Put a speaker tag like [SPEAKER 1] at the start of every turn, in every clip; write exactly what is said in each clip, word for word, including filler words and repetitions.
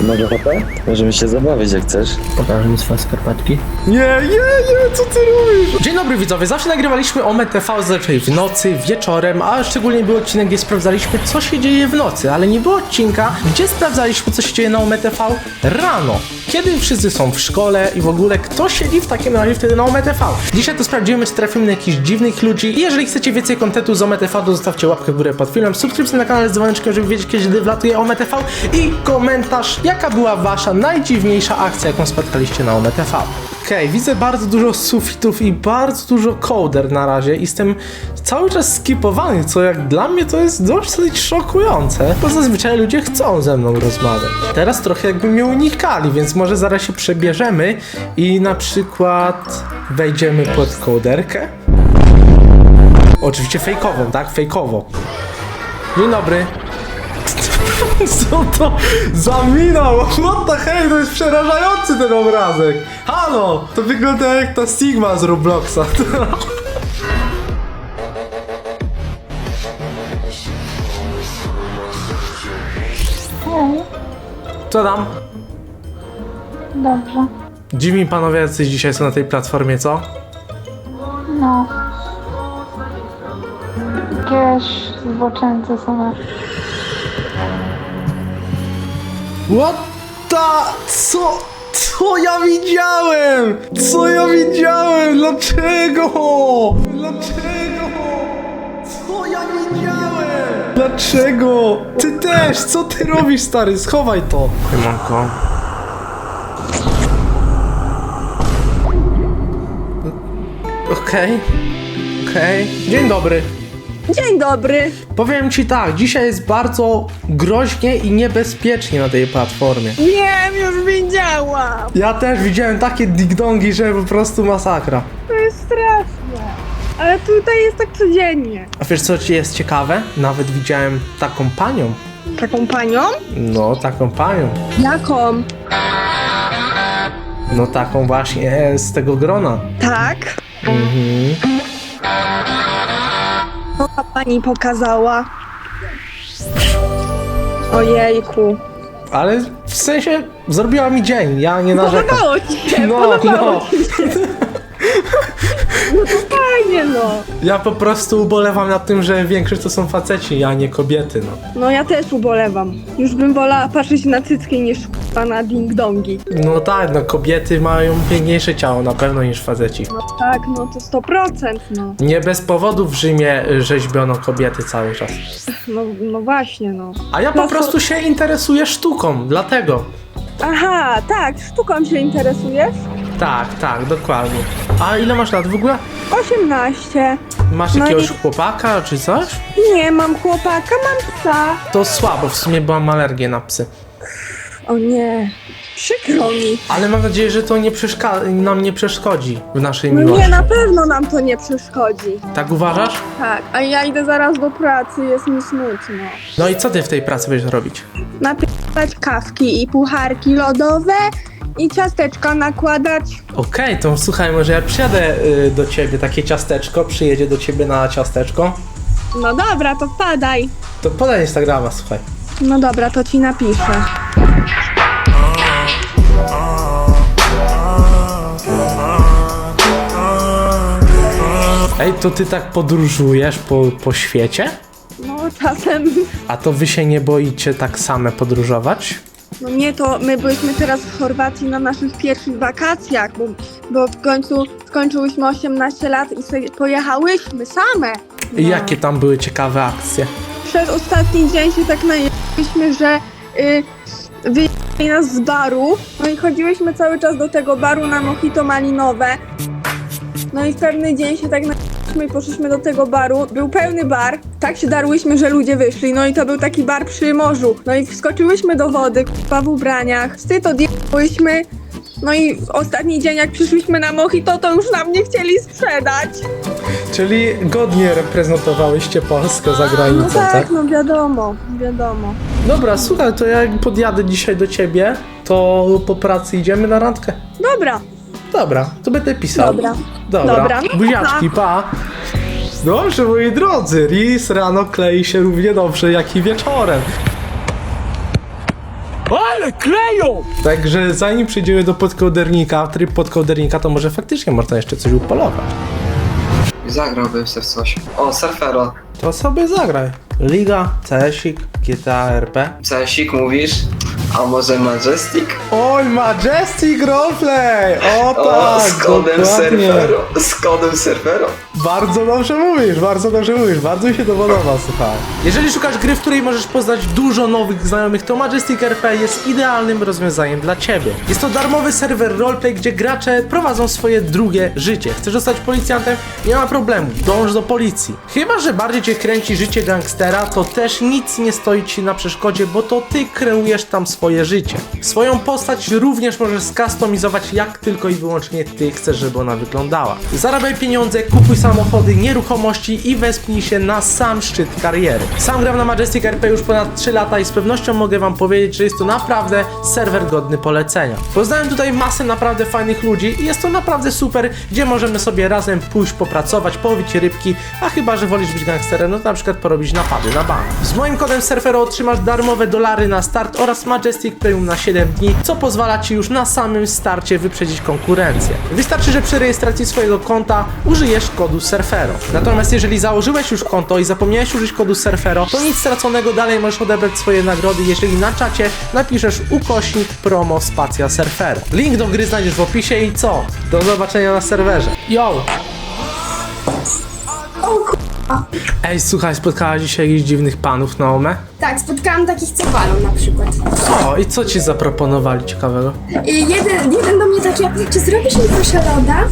[SPEAKER 1] Może ochotę? Możemy się zabawić jak chcesz.
[SPEAKER 2] Pokażę mi swoje skarpetki.
[SPEAKER 3] Nie, nie, nie, co ty robisz? Dzień dobry widzowie, zawsze nagrywaliśmy o M T V zazwyczaj w nocy, wieczorem, a szczególnie był odcinek, gdzie sprawdzaliśmy, co się dzieje w nocy, ale nie było odcinka, gdzie sprawdzaliśmy, co się dzieje na O M T V rano, kiedy wszyscy są w szkole i w ogóle kto siedzi w takim razie wtedy na O M T V. Dzisiaj to sprawdzimy, czy trafimy na jakichś dziwnych ludzi i jeżeli chcecie więcej kontentu z O M T V, to zostawcie łapkę w górę pod filmem, subskrypcję na kanale z dzwoneczkiem, żeby wiedzieć, kiedy wlatuje O M T V i komentarz, jaka była wasza najdziwniejsza akcja, jaką spotkaliście na O M T V. Okej, okay, widzę bardzo dużo sufitów i bardzo dużo kołder na razie. Jestem cały czas skipowany, co jak dla mnie to jest dosyć szokujące, bo zazwyczaj ludzie chcą ze mną rozmawiać. Teraz trochę jakby mnie unikali, więc może zaraz się przebierzemy i na przykład wejdziemy pod kołderkę. Oczywiście fejkową, tak? Fejkowo. Dzień dobry. Co to za mina? What the hell? To jest przerażający ten obrazek. Halo! To wygląda jak ta Sigma z Robloxa.
[SPEAKER 4] Hej,
[SPEAKER 3] Co tam?
[SPEAKER 4] dobrze.
[SPEAKER 3] Dziwni panowie jacyś dzisiaj są na tej platformie, co?
[SPEAKER 4] No. Jakieś zboczeńce są na...
[SPEAKER 3] What the... Co? Co ja widziałem? Co ja widziałem? Dlaczego? Dlaczego? Co ja widziałem? Dlaczego? Ty też! Co ty robisz, stary? Schowaj to! Siemanko. Okej. Okej. Dzień dobry.
[SPEAKER 5] Dzień dobry.
[SPEAKER 3] Powiem ci tak, dzisiaj jest bardzo groźnie i niebezpiecznie na tej platformie.
[SPEAKER 5] Wiem, już widziałam.
[SPEAKER 3] Ja też widziałem takie ding-dongi, że po prostu masakra.
[SPEAKER 5] To jest straszne. Ale tutaj jest tak codziennie.
[SPEAKER 3] A wiesz co ci jest ciekawe? Nawet widziałem taką panią.
[SPEAKER 5] Taką panią?
[SPEAKER 3] No, taką panią.
[SPEAKER 5] Jaką?
[SPEAKER 3] No taką właśnie z tego grona.
[SPEAKER 5] Tak.
[SPEAKER 3] Mhm.
[SPEAKER 5] Co ta pani pokazała? Ojejku.
[SPEAKER 3] Ale w sensie zrobiła mi dzień, ja nie narzekam.
[SPEAKER 5] Podobało ci się,
[SPEAKER 3] No,
[SPEAKER 5] podobało
[SPEAKER 3] no.
[SPEAKER 5] ci się. No to fajnie, no.
[SPEAKER 3] Ja po prostu ubolewam nad tym, że większość to są faceci, a nie kobiety, no.
[SPEAKER 5] No ja też ubolewam. Już bym wolała patrzeć na cycki niż k***a na ding-dongi.
[SPEAKER 3] No tak, no kobiety mają piękniejsze ciało na pewno niż faceci.
[SPEAKER 5] No tak, no to sto procent, no.
[SPEAKER 3] Nie bez powodu w Rzymie rzeźbiono kobiety cały czas.
[SPEAKER 5] No, no właśnie, no.
[SPEAKER 3] A ja po
[SPEAKER 5] No to-
[SPEAKER 3] prostu się interesuję sztuką, dlatego.
[SPEAKER 5] Aha, tak, sztuką się interesujesz?
[SPEAKER 3] Tak, tak, dokładnie. A ile masz lat w ogóle?
[SPEAKER 5] osiemnaście.
[SPEAKER 3] Masz
[SPEAKER 5] No
[SPEAKER 3] jakiegoś
[SPEAKER 5] i-
[SPEAKER 3] chłopaka czy coś?
[SPEAKER 5] Nie, mam chłopaka, mam psa.
[SPEAKER 3] To słabo, w sumie byłam alergię na psy.
[SPEAKER 5] O nie, przykro mi.
[SPEAKER 3] Ale mam nadzieję, że to nie przeszka- nam nie przeszkodzi w naszej
[SPEAKER 5] No
[SPEAKER 3] miłości.
[SPEAKER 5] nie, na pewno nam to nie przeszkodzi.
[SPEAKER 3] Tak uważasz?
[SPEAKER 5] Tak, a ja idę zaraz do pracy, jest mi smutno.
[SPEAKER 3] No i co ty w tej pracy będziesz robić?
[SPEAKER 5] Napisać kawki i pucharki lodowe i ciasteczka nakładać.
[SPEAKER 3] Okej, to słuchaj, może ja przyjadę y, do ciebie, takie ciasteczko, przyjedzie do ciebie na ciasteczko.
[SPEAKER 5] No dobra, to wpadaj.
[SPEAKER 3] To podaj Instagrama, słuchaj.
[SPEAKER 5] No dobra, to ci napiszę.
[SPEAKER 3] Ej, to ty tak podróżujesz po, po świecie?
[SPEAKER 5] No czasem,
[SPEAKER 3] A to wy się nie boicie tak same podróżować?
[SPEAKER 5] no nie, to my byliśmy teraz w Chorwacji na naszych pierwszych wakacjach, bo, bo w końcu skończyłyśmy osiemnaście lat i sobie pojechałyśmy same.
[SPEAKER 3] I jakie tam były ciekawe akcje?
[SPEAKER 5] Przez ostatni dzień się tak najechaliśmy, że y, wyjechali nas z baru. No i chodziłyśmy cały czas do tego baru na mojito malinowe. No i w pewny dzień się tak najechaliśmy i poszliśmy do tego baru. Był pełny bar. Tak się darłyśmy, że ludzie wyszli. No i to był taki bar przy morzu. No i wskoczyłyśmy do wody, k***a w ubraniach. Wstyd odjechaliśmy. No i w ostatni dzień jak przyszliśmy na mojito, to już nam nie chcieli sprzedać.
[SPEAKER 3] Czyli godnie reprezentowałyście Polskę za
[SPEAKER 5] No
[SPEAKER 3] granicą,
[SPEAKER 5] tak,
[SPEAKER 3] tak?
[SPEAKER 5] no wiadomo, wiadomo.
[SPEAKER 3] Dobra, słuchaj, to jak podjadę dzisiaj do ciebie, to po pracy idziemy na randkę.
[SPEAKER 5] Dobra.
[SPEAKER 3] Dobra, to będę pisał.
[SPEAKER 5] Dobra.
[SPEAKER 3] Dobra.
[SPEAKER 5] Dobra, no
[SPEAKER 3] Buziaczki, pa. Dobrze, moi drodzy, ris rano klei się równie dobrze jak i wieczorem. O,
[SPEAKER 2] Ale kleją!
[SPEAKER 3] Także zanim przejdziemy do podkołdernika, tryb podkołdernika, to może faktycznie można jeszcze coś upolować.
[SPEAKER 6] Zagrałbym se w coś. O, Surfero.
[SPEAKER 3] To sobie zagraj. Liga, C S ik, G T A R P.
[SPEAKER 6] Cesik mówisz? A może Majestic?
[SPEAKER 3] Oj, Majestic Roleplay! O
[SPEAKER 6] O,
[SPEAKER 3] tak,
[SPEAKER 6] z kodem
[SPEAKER 3] dokładnie.
[SPEAKER 6] Surfero. Z kodem Surfero.
[SPEAKER 3] Bardzo dobrze mówisz, bardzo dobrze mówisz, bardzo mi się to podoba, słuchaj. Jeżeli szukasz gry, w której możesz poznać dużo nowych znajomych, to Majestic R P jest idealnym rozwiązaniem dla ciebie. Jest to darmowy serwer roleplay, gdzie gracze prowadzą swoje drugie życie. Chcesz zostać policjantem? Nie ma problemu, dąż do policji. Chyba że bardziej cię kręci życie gangstera, to też nic nie stoi ci na przeszkodzie, bo to ty kreujesz tam swoje życie. Swoją postać również możesz skustomizować jak tylko i wyłącznie ty chcesz, żeby ona wyglądała. Zarabiaj pieniądze, kupuj samochody, nieruchomości i wespnij się na sam szczyt kariery. Sam gram na Majestic R P już ponad trzy lata i z pewnością mogę wam powiedzieć, że jest to naprawdę serwer godny polecenia. Poznałem tutaj masę naprawdę fajnych ludzi i jest to naprawdę super, gdzie możemy sobie razem pójść popracować, połowić rybki, a chyba że wolisz być gangsterem, no to na przykład porobić napady na bank. Z moim kodem Surfero otrzymasz darmowe dolary na start oraz Majestic Premium na siedem dni, co pozwala ci już na samym starcie wyprzedzić konkurencję. Wystarczy, że przy rejestracji swojego konta użyjesz kodu Surfero. Natomiast jeżeli założyłeś już konto i zapomniałeś użyć kodu Surfero, to nic straconego, dalej możesz odebrać swoje nagrody, jeżeli na czacie napiszesz ukośnik promo spacja Surfero. Link do gry znajdziesz w opisie i co? Do zobaczenia na serwerze. Yo! Ej, słuchaj, spotkałaś dzisiaj jakichś dziwnych panów na Ome?
[SPEAKER 7] Tak, spotkałam takich, co walą na przykład.
[SPEAKER 3] O, i co ci zaproponowali ciekawego?
[SPEAKER 7] I jeden, jeden do mnie taki, czy zrobisz mi proszę loda?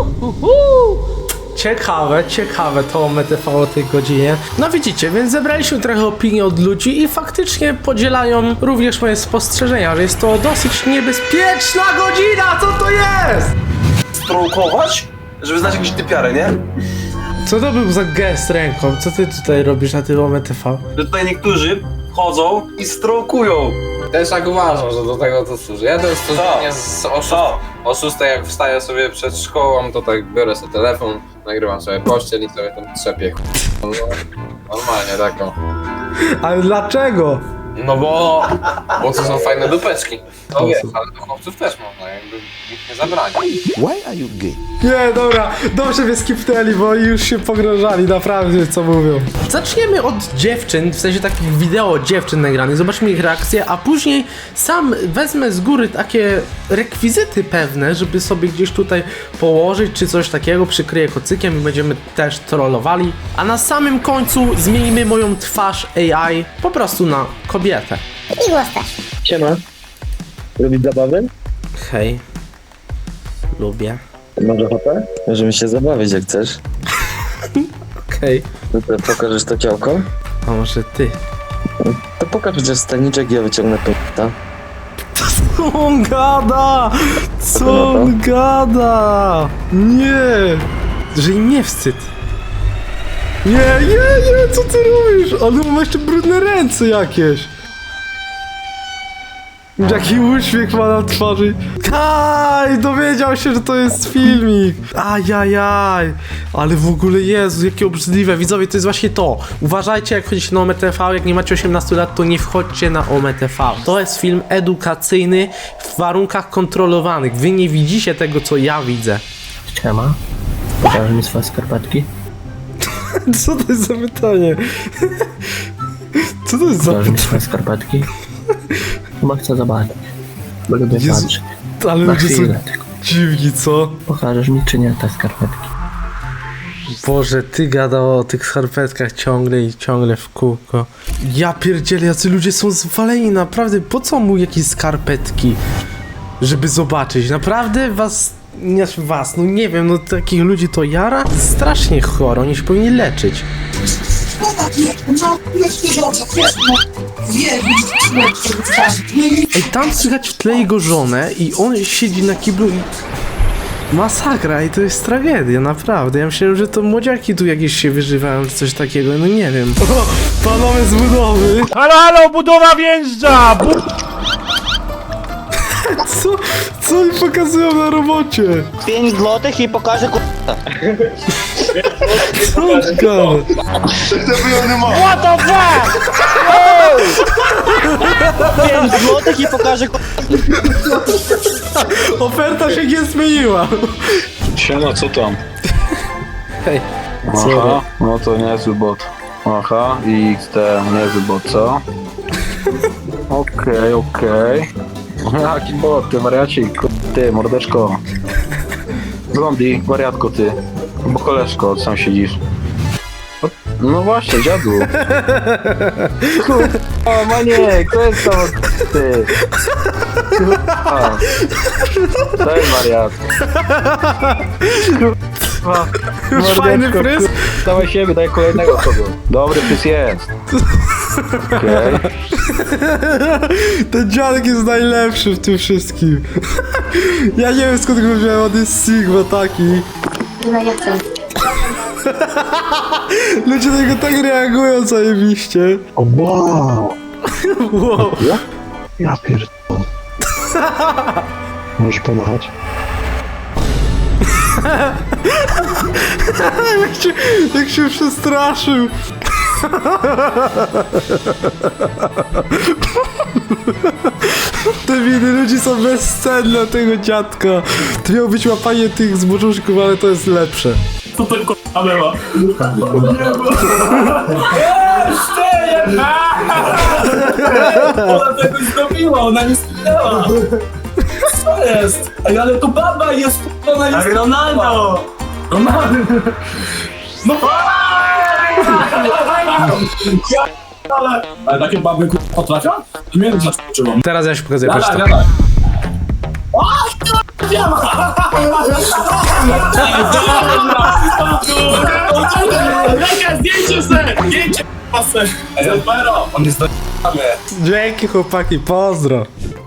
[SPEAKER 3] Ciekawe, ciekawe to Ome T V o tej godzinie. No widzicie, więc zebraliśmy trochę opinii od ludzi i faktycznie podzielają również moje spostrzeżenia, że jest to dosyć niebezpieczna godzina, co to jest?
[SPEAKER 8] Strołkować, żeby znać jakąś typiarę, nie?
[SPEAKER 3] Co to był za gest ręką? Co ty tutaj robisz na tym Ome T V?
[SPEAKER 8] Że tutaj niektórzy chodzą i strołkują.
[SPEAKER 9] Też tak uważam, że do tego to służy. Ja też codziennie z o, szóst- o szóstej jak wstaję sobie przed szkołą, to tak biorę sobie telefon, nagrywam sobie pościel i sobie tam trzepię. No, normalnie taką.
[SPEAKER 3] Ale dlaczego?
[SPEAKER 9] No bo, bo to są fajne dupeczki. No wiesz, ale do chłopców też można, jakby nikt nie zabrania.
[SPEAKER 3] Nie, dobra, dobrze mnie skipnęli, bo już się pogrążali, naprawdę, co mówią. Zaczniemy od dziewczyn, w sensie takich wideo dziewczyn nagranych, zobaczmy ich reakcję, a później sam wezmę z góry takie rekwizyty pewne, żeby sobie gdzieś tutaj położyć, czy coś takiego, przykryję kocykiem i będziemy też trollowali. A na samym końcu zmienimy moją twarz A I po prostu na kobietę.
[SPEAKER 10] I głos też.
[SPEAKER 1] Siema. Robić zabawy?
[SPEAKER 3] Hej. Lubię.
[SPEAKER 1] Masz ochotę? Możemy się zabawić jak chcesz.
[SPEAKER 3] Okej.
[SPEAKER 1] No to pokażesz to ciałko?
[SPEAKER 3] A może ty?
[SPEAKER 1] To pokaż chociaż staniczek i ja wyciągnę pęta.
[SPEAKER 3] Co on gada? Co on gada? Nie! Że im nie wstyd. Nie, nie, nie, co ty robisz? Ale ma jeszcze brudne ręce jakieś. Jaki uśmiech ma na twarzy. Kaj, dowiedział się, że to jest filmik. Ajajaj. Ale w ogóle, Jezu, jakie obrzydliwe. Widzowie, to jest właśnie to. Uważajcie, jak chodzicie na Ome T V. Jak nie macie osiemnastu lat, to nie wchodźcie na Ome T V. To jest film edukacyjny w warunkach kontrolowanych. Wy nie widzicie tego, co ja widzę.
[SPEAKER 2] Siema. Pokażesz mi swoje skarpetki?
[SPEAKER 3] Co to jest za pytanie? Co to jest za
[SPEAKER 2] Pokażesz mi
[SPEAKER 3] pytanie?
[SPEAKER 2] swoje skarpetki? Chyba chcę zobaczyć. Bo lubię
[SPEAKER 3] Jezu,
[SPEAKER 2] patrzeć.
[SPEAKER 3] ale
[SPEAKER 2] Na
[SPEAKER 3] ludzie są
[SPEAKER 2] chwilę tylko.
[SPEAKER 3] dziwni, co?
[SPEAKER 2] Pokażesz mi czy nie te skarpetki?
[SPEAKER 3] Boże, ty gadał o tych skarpetkach ciągle i ciągle w kółko. Ja pierdzielę, jacy ludzie są zwaleni, naprawdę. Po co mu jakieś skarpetki? Żeby zobaczyć. Naprawdę was... Nie was, no nie wiem, no takich ludzi to jara? Strasznie choro, oni się powinni leczyć. Ej, tam słychać w tle jego żonę i on siedzi na kiblu i... Masakra i to jest tragedia, naprawdę. Ja myślałem, że to młodziaki tu jakieś się wyżywają, czy coś takiego, no nie wiem. O, panowie z budowy!
[SPEAKER 2] Halo, halo, budowa wjeżdża! Bu-
[SPEAKER 3] Co? Co oni pokazują na robocie?
[SPEAKER 2] pięć złotych i pokażę ku...
[SPEAKER 3] Co on gada?
[SPEAKER 2] What the fuck? pięć złotych i pokażę
[SPEAKER 3] Oferta się nie zmieniła.
[SPEAKER 10] Siema, co tam?
[SPEAKER 3] Hej.
[SPEAKER 10] Aha, no to niezły bot. Aha, i X T, niezły bot, co? Okej, okej. Jaki bot, ty wariacik, ty, mordeczko. Zombie, wariatko ty. Bo koleżko, sam siedzisz. O, no właśnie, dziadu. Kurwa, maniek, to jest to, ty. Kurwa. Cześć, wariat. Kurwa.
[SPEAKER 3] Już fajny fryz.
[SPEAKER 10] Dawaj siebie, daj kolejnego kogo. Dobry fryz jest. Okej. Okay.
[SPEAKER 3] Ten dziadek jest najlepszy w tym wszystkim. Ja nie wiem skąd go wziąłem, on jest Sigma taki. Ludzie na niego tak reagują zajebiście.
[SPEAKER 10] O wow.
[SPEAKER 3] Wow.
[SPEAKER 10] Ja? Ja pierdolę. Możesz pomachać?
[SPEAKER 3] jak, się, jak się przestraszył. Te winy ludzi są bezcenne tego dziadka. To miało być łapanie tych zboczuszków, ale to jest lepsze.
[SPEAKER 11] Co to k***a była? Jeszcze jedna! Ona tego zrobiła, ona nie spinęła. Co jest? Ej, ale to baba jest, ona jest... Ale Ronaldo! Ronaldo! No ale... Ale takie baby k***a potrafią? Nie wiem, dlaczego uczyłam.
[SPEAKER 3] Teraz ja się pokazuję,
[SPEAKER 11] Dawaj,
[SPEAKER 3] patrz
[SPEAKER 11] dawaj. O, Leka, zdjęcie se! Zdjęcie se! Ej, Albero, on jest do***amy.
[SPEAKER 3] Dzięki chłopaki, pozdro.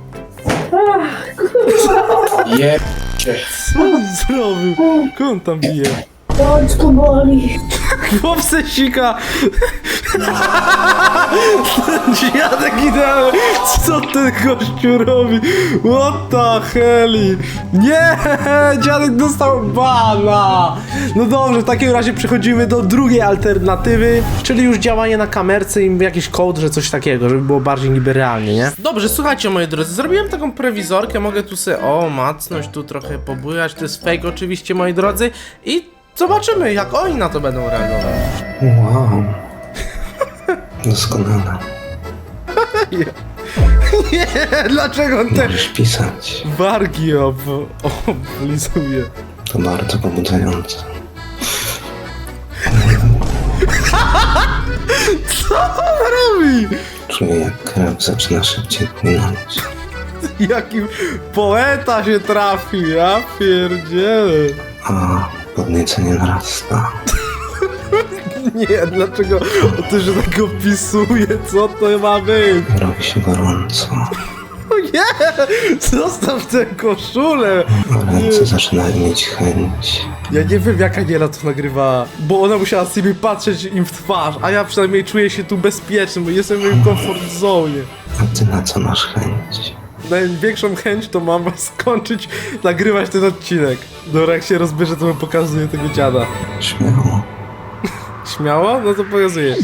[SPEAKER 11] Je...
[SPEAKER 3] Co on zrobił? Kogo on tam bije?
[SPEAKER 7] Bączko boli.
[SPEAKER 3] Chłopce sika! Dziadek idealny! Co ten gościu robi? What the hell? Nie! Dziadek dostał bana! No dobrze, w takim razie przechodzimy do drugiej alternatywy, czyli już działanie na kamerce i jakiś kod, że coś takiego, żeby było bardziej niby realnie, nie? Dobrze, słuchajcie moi drodzy, zrobiłem taką prewizorkę, mogę tu sobie, o, macnąć, tu trochę pobujać, to jest fake oczywiście moi drodzy i zobaczymy, jak oni na to będą reagować.
[SPEAKER 1] Wow. Doskonale.
[SPEAKER 3] Nie, dlaczego on te
[SPEAKER 1] Możesz pisać.
[SPEAKER 3] wargi ob... oblizuje?
[SPEAKER 1] To bardzo pobudzające.
[SPEAKER 3] Co on robi?
[SPEAKER 1] Czuję, jak krew zaczyna szybciej płynąć.
[SPEAKER 3] Jaki poeta się trafi, ja pierdzielę.
[SPEAKER 1] A podniecenie narasta.
[SPEAKER 3] Nie, dlaczego on też tak opisuje, co to ma być?
[SPEAKER 1] Robi się gorąco.
[SPEAKER 3] O nie, zostaw tę koszulę.
[SPEAKER 1] A ręce zaczynają mieć chęć.
[SPEAKER 3] Ja nie wiem, jak Aniela to nagrywała, bo ona musiała sobie patrzeć im w twarz, a ja przynajmniej czuję się tu bezpieczny, bo jestem w moim comfort zone.
[SPEAKER 1] A ty na co masz chęć?
[SPEAKER 3] Największą chęć to mam skończyć nagrywać ten odcinek. Dobra, jak się rozbierze, to wam pokazuję tego dziada.
[SPEAKER 1] Śmiało.
[SPEAKER 3] Śmiało? No to pokazuję.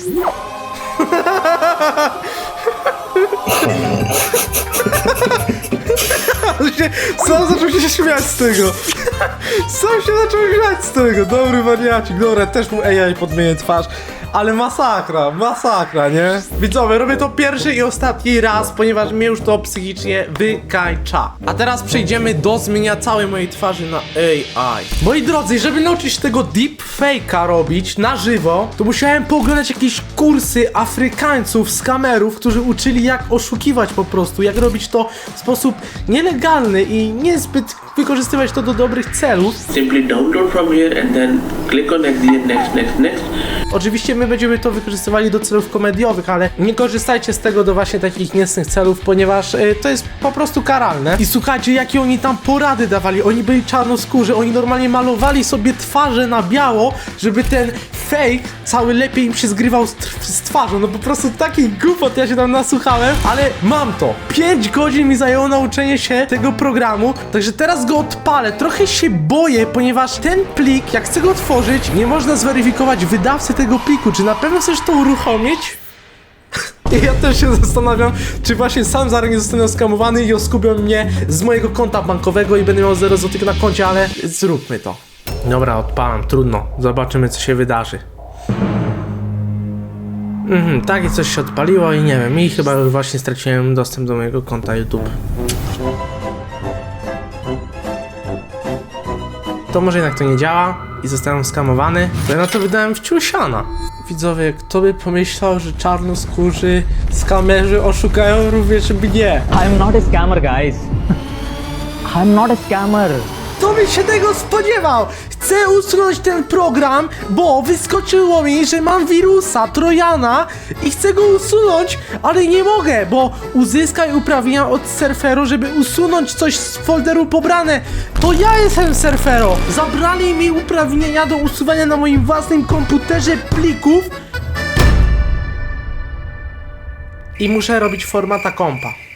[SPEAKER 3] Sam zaczął się śmiać z tego. Sam się zaczął śmiać z tego. Dobry wariacik. Dobra, też mu A I podmienię twarz. Ale masakra, masakra, nie? Widzowie, robię to pierwszy i ostatni raz, ponieważ mnie już to psychicznie wykańcza. A teraz przejdziemy do zmienia całej mojej twarzy na A I. Moi drodzy, żeby nauczyć się tego deepfake'a robić na żywo, to musiałem pooglądać jakieś kursy Afrykańców z kamerów, którzy uczyli jak oszukiwać po prostu, jak robić to w sposób nielegalny i niezbyt wykorzystywać to do dobrych celów.
[SPEAKER 12] Simply download from here and then click on next, next, next, next.
[SPEAKER 3] Oczywiście my będziemy to wykorzystywali do celów komediowych, ale nie korzystajcie z tego do właśnie takich niecnych celów, ponieważ y, to jest po prostu karalne. I słuchajcie, jakie oni tam porady dawali. Oni byli czarnoskórzy, oni normalnie malowali sobie twarze na biało, żeby ten fake cały lepiej im się zgrywał z, z twarzą. No po prostu taki głupot ja się tam nasłuchałem, ale mam to. pięć godzin mi zajęło nauczenie się tego programu, także teraz go odpalę. Trochę się boję, ponieważ ten plik, jak chcę go otworzyć, nie można zweryfikować wydawcy tego pliku. Czy na pewno chcesz to uruchomić? I ja też się zastanawiam, czy właśnie sam zaraz nie zostanę skamowany i oskubią mnie z mojego konta bankowego i będę miał zero złotych na koncie, ale zróbmy to. Dobra, odpalam, trudno. Zobaczymy, co się wydarzy. Mhm, takie coś się odpaliło i nie wiem, i chyba już właśnie straciłem dostęp do mojego konta YouTube. To może jednak to nie działa i zostałem skamowany, to ja na to wydałem wciusiana. Widzowie, kto by pomyślał, że czarnoskórzy skamerzy oszukają również mnie?
[SPEAKER 2] I'm not a scammer, guys. I'm not a scammer.
[SPEAKER 3] Kto by się tego spodziewał? Chcę usunąć ten program, bo wyskoczyło mi, że mam wirusa Trojana i chcę go usunąć, ale nie mogę, bo uzyskaj uprawnienia od Surfero, żeby usunąć coś z folderu pobrane. To ja jestem Surfero. Zabrali mi uprawnienia do usuwania na moim własnym komputerze plików i muszę robić formata kompa.